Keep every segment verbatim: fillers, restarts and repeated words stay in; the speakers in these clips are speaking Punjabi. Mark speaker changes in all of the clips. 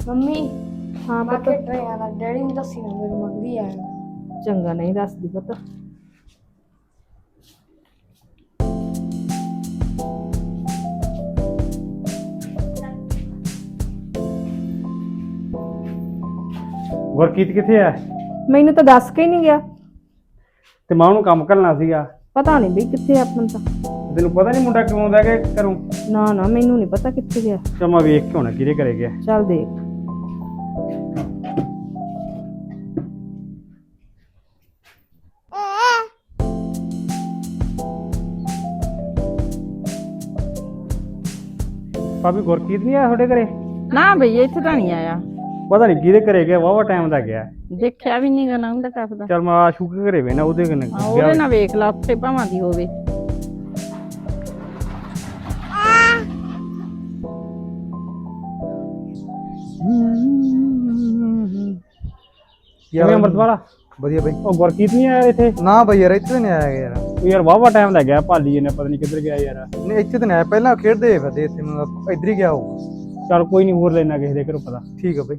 Speaker 1: ਮੰਮੀ
Speaker 2: ਹਾਂ ਪੁੱਤ।
Speaker 1: ਬਾਕੀ ਟਰੇਆਂ ਦਾ ਡੈਡੀ ਨੂੰ ਦੱਸੀ ਨਾ ਮੇਰੇ ਮੰਗਦੀ ਆ।
Speaker 2: ਚੰਗਾ ਨਹੀਂ ਦੱਸਦੀ ਪੁੱਤ।
Speaker 3: ਗੁਰਕੀਤ ਕਿੱਥੇ ਆ?
Speaker 2: ਮੈਨੂੰ ਤਾਂ ਦੱਸ ਕੇ ਹੀ ਨਹੀਂ ਗਿਆ।
Speaker 3: ਤੇ ਮੈਂ ਉਹਨੂੰ ਕੰਮ ਕਰਨਾ ਸੀਗਾ।
Speaker 2: ਪਤਾ ਨਹੀਂ ਬਈ ਕਿੱਥੇ ਆ ਆਪਣ ਤਾਂ।
Speaker 3: ਤੈਨੂੰ ਪਤਾ ਨਹੀਂ ਮੁੰਡਾ ਕਿਉਂ ਆਉਂਦਾ ਕਿ ਘਰੋਂ?
Speaker 2: ਨਾ ਨਾ ਮੈਨੂੰ ਨਹੀਂ ਪਤਾ ਕਿੱਥੇ ਗਿਆ।
Speaker 3: ਚੱਲ ਮੈਂ ਵੇਖ ਕੇ ਹੋਣਾ ਕਿਹਦੇ ਘਰੇ ਗਿਆ।
Speaker 2: ਚੱਲ ਦੇਖ।
Speaker 3: ਭਾਬੀ ਗੁਰਕੀਤ ਨਹੀਂ ਆਇਆ ਤੁਹਾਡੇ ਘਰੇ?
Speaker 4: ਨਾ ਬਈ ਇੱਥੇ ਤਾਂ ਨਹੀਂ ਆਇਆ।
Speaker 3: ਪਤਾ ਨਹੀਂ ਕਿਹਦੇ ਘਰੇ ਗਿਆ, ਵਾਹਵਾ ਟਾਈਮ ਦਾ ਗਿਆ।
Speaker 4: ਦੇਖਿਆ ਵੀ ਨਹੀਂ ਗਾ ਨਾ ਉਹਦਾ ਕੱਪਦਾ।
Speaker 3: ਚੱਲ ਮੈਂ ਆਸ਼ੂ ਕੇ ਘਰੇ ਵੇਣਾ ਉਹਦੇ ਕਨੇ
Speaker 4: ਉਹਦੇ ਨਾਲ ਵੇਖ ਲਾ ਉੱਥੇ ਭਾਵਾਂ ਦੀ ਹੋਵੇ।
Speaker 3: ਕਿਵੇਂ ਅੰਮ੍ਰਿਤਵਾਲਾ?
Speaker 5: ਵਧੀਆ ਬਈ।
Speaker 3: ਉਹ ਗੁਰਕੀਤ ਨਹੀਂ ਆਇਆ ਇੱਥੇ?
Speaker 5: ਨਾ ਬਈ ਯਾਰ ਇੱਥੇ ਨਹੀਂ ਆਇਆ ਯਾਰ।
Speaker 3: ਉਹ ਯਾਰ ਵਾਹਵਾ ਟਾਈਮ ਦਾ ਗਿਆ, ਭਾਲੀ ਇਹਨੇ ਪਤਾ ਨਹੀਂ ਕਿੱਧਰ ਗਿਆ ਯਾਰ।
Speaker 5: ਨਹੀਂ ਇੱਥੇ ਤਾਂ ਨਹੀਂ ਆਇਆ, ਪਹਿਲਾਂ ਖੇਡਦੇ ਫਿਰਦੇ ਇੱਥੇ ਮੈਨੂੰ ਇੱਧਰ ਹੀ ਗਿਆ ਹੋਊਗਾ।
Speaker 3: ਚੱਲ ਕੋਈ ਨਹੀਂ, ਹੋਰ ਲੈਣਾ ਕਿਸੇ ਦੇ ਘਰੋਂ ਪਤਾ।
Speaker 5: ਠੀਕ ਆ ਬਈ।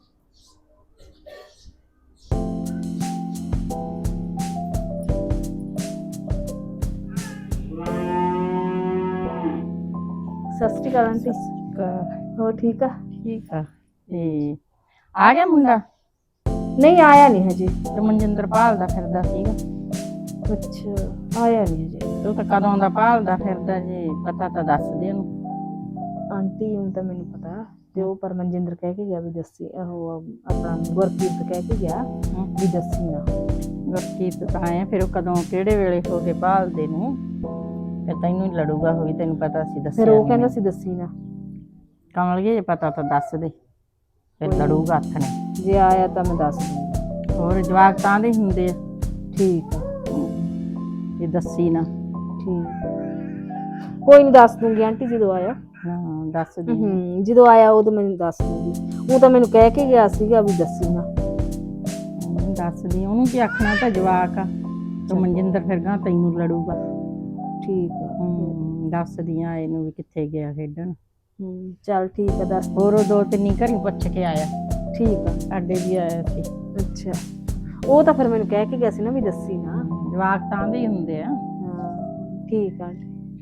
Speaker 2: ਸਤਿ ਸ਼੍ਰੀ ਅਕਾਲ ਆਂਟੀ। ਹੋਰ ਠੀਕ ਆ?
Speaker 4: ਠੀਕ ਆ। ਤੇ ਆ ਗਿਆ ਮੁੰਡਾ?
Speaker 2: ਨਹੀਂ ਆਇਆ ਨਹੀਂ ਹਜੇ।
Speaker 4: ਤੇ ਮਨਜਿੰਦਰ ਭਾਲਦਾ ਫਿਰਦਾ ਸੀਗਾ।
Speaker 2: ਅੱਛਾ ਆਇਆ ਨਹੀਂ ਹਜੇ।
Speaker 4: ਤੂੰ ਤਾਂ ਕਦੋਂ ਦਾ ਭਾਲਦਾ ਫਿਰਦਾ ਜੀ, ਪਤਾ ਤਾਂ ਦੱਸ ਦੇ ਉਹਨੂੰ।
Speaker 2: ਆਂਟੀ ਹੁਣ ਤਾਂ ਮੈਨੂੰ ਪਤਾ ਤੇ ਉਹ ਪਰ ਮਨਜਿੰਦਰ ਕਹਿ ਕੇ ਗਿਆ ਵੀ ਦੱਸੀ। ਉਹ ਆਪਣਾ ਗੁਰਕੀਤ ਕਹਿ ਕੇ ਗਿਆ ਵੀ ਦੱਸੀ ਨਾ।
Speaker 4: ਗੁਰਕੀਤ ਤਾਂ ਆਇਆ ਫਿਰ ਉਹ ਕਦੋਂ ਕਿਹੜੇ ਵੇਲੇ ਹੋ ਕੇ ਭਾਲਦੇ ਨੂੰ, ਫਿਰ ਤੈਨੂੰ ਹੀ ਲੜੂਗਾ ਹੋਈ। ਤੈਨੂੰ ਪਤਾ ਸੀ ਦੱਸਿਆ
Speaker 2: ਫਿਰ ਉਹ
Speaker 4: ਨੀ।
Speaker 2: ਕਹਿੰਦਾ ਸੀ ਦੱਸੀ ਨਾ।
Speaker 4: ਕਮਲ ਜੇ ਪਤਾ ਤਾਂ ਦੱਸ ਦੇ, ਫਿਰ ਲੜੂਗਾ ਹੱਥ ਨੇ।
Speaker 2: ਜੇ ਆਇਆ ਤਾਂ ਮੈਂ ਦੱਸ ਦੂੰਗੀ।
Speaker 4: ਹੋਰ ਜਵਾਕ ਤਾਂ ਦੇ ਹੁੰਦੇ ਆ।
Speaker 2: ਠੀਕ ਆ।
Speaker 4: ਇਹ ਦੱਸੀ ਨਾ।
Speaker 2: ਠੀਕ ਕੋਈ ਨਹੀਂ ਦੱਸ ਦੂੰਗੀ ਆਂਟੀ ਜਦੋਂ ਆਇਆ।
Speaker 4: ਹਾਂ ਦੱਸ ਦੇ।
Speaker 2: ਹੂੰ ਜਦੋਂ ਆਇਆ ਉਦੋਂ ਮੈਨੂੰ ਦੱਸ ਦੂੰਗੀ। ਉਹ ਤਾਂ ਮੈਨੂੰ ਕਹਿ ਕੇ ਗਿਆ ਸੀਗਾ ਵੀ ਦੱਸੀ ਨਾ।
Speaker 4: ਉਹਨੂੰ ਦੱਸਦੀ, ਉਹਨੂੰ ਕੀ ਆਖਣਾ, ਤਾਂ ਜਵਾਕ ਆ। ਤੂੰ ਮਨਜਿੰਦਰ ਫਿਰ ਗਾਂ ਤੈਨੂੰ ਲੜੂਗਾ।
Speaker 2: ਠੀਕ ਆ।
Speaker 4: ਹੂੰ ਦੱਸਦੀ ਆ ਇਹਨੂੰ ਵੀ ਕਿੱਥੇ ਗਿਆ ਖੇਡਣ।
Speaker 2: ਹੂੰ ਚੱਲ ਠੀਕ ਆ ਦੱਸ।
Speaker 4: ਹੋਰ ਉਹ ਦੋ ਤਿੰਨੀ ਘਰੀ ਪੁੱਛ ਕੇ ਆਇਆ।
Speaker 2: ਠੀਕ ਆ।
Speaker 4: ਸਾਡੇ ਵੀ ਆਇਆ ਸੀ।
Speaker 2: ਅੱਛਾ ਉਹ ਤਾਂ ਫਿਰ ਮੈਨੂੰ ਕਹਿ ਕੇ ਗਿਆ ਸੀ ਨਾ ਵੀ ਦੱਸੀ ਨਾ।
Speaker 4: ਜਵਾਕ ਤਾਂ ਦੇ ਹੀ ਹੁੰਦੇ ਆ।
Speaker 2: ਹਾਂ ਠੀਕ ਆ।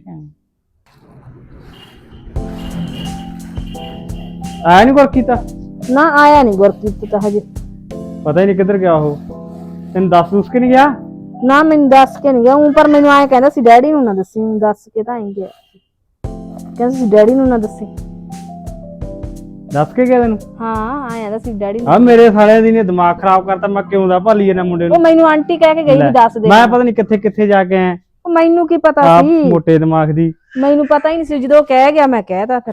Speaker 3: ਆਇਆ ਨਹੀਂ ਗੁਰਕੀਤ?
Speaker 2: ਨਾ ਆਇਆ ਨਹੀਂ ਗੁਰਕੀਤ ਤਾਂ ਹਜੇ।
Speaker 3: ਪਤਾ ਹੀ ਨਹੀਂ ਕਿੱਧਰ ਗਿਆ ਉਹ। ਤੈਨੂੰ ਦੱਸ ਦੁੱਸ ਕੇ ਨਹੀਂ ਗਿਆ?
Speaker 2: ਨਾ ਮੈਨੂੰ ਦੱਸ ਕੇ ਨਹੀਂ ਗਿਆ। ਉਹ ਪਰ ਮੈਨੂੰ ਆਏ ਕਹਿੰਦਾ ਸੀ ਡੈਡੀ ਨੂੰ ਨਾ ਦੱਸੀ। ਮੈਨੂੰ ਦੱਸ ਕੇ ਤਾਂ ਆਈ ਗਿਆ। ਕਹਿੰਦਾ ਸੀ ਡੈਡੀ ਨੂੰ ਨਾ ਦੱਸੀ।
Speaker 3: ਦੱਸ ਕੇ ਗਿਆ ਤੈਨੂੰ?
Speaker 2: ਹਾਂ ਆਇਆ ਦਾ ਸੀ ਡੈਡੀ ਨੂੰ।
Speaker 3: ਆ ਮੇਰੇ ਸਾਲਿਆਂ ਦੀ ਨੇ ਦਿਮਾਗ ਖਰਾਬ ਕਰਤਾ। ਮੈਂ ਕਿਉਂ ਦਾ ਭਾਲੀ ਇਹਨਾਂ ਮੁੰਡੇ ਨੂੰ।
Speaker 2: ਉਹ ਮੈਨੂੰ ਆਂਟੀ ਕਹਿ ਕੇ ਗਈ ਵੀ ਦੱਸ ਦੇ।
Speaker 3: ਮੈਂ ਪਤਾ ਨਹੀਂ ਕਿੱਥੇ ਕਿੱਥੇ ਜਾ ਕੇ ਆਇਆ।
Speaker 2: ਉਹ ਮੈਨੂੰ ਕੀ ਪਤਾ
Speaker 3: ਆਪ
Speaker 2: ਸੀ।
Speaker 3: ਮੋਟੇ ਦਿਮਾਗ ਦੀ।
Speaker 2: ਮੈਨੂੰ ਪਤਾ ਹੀ ਨਹੀਂ ਸੀ। ਜਦੋਂ ਕਹਿ ਗਿਆ ਮੈਂ ਕਹਿਤਾ।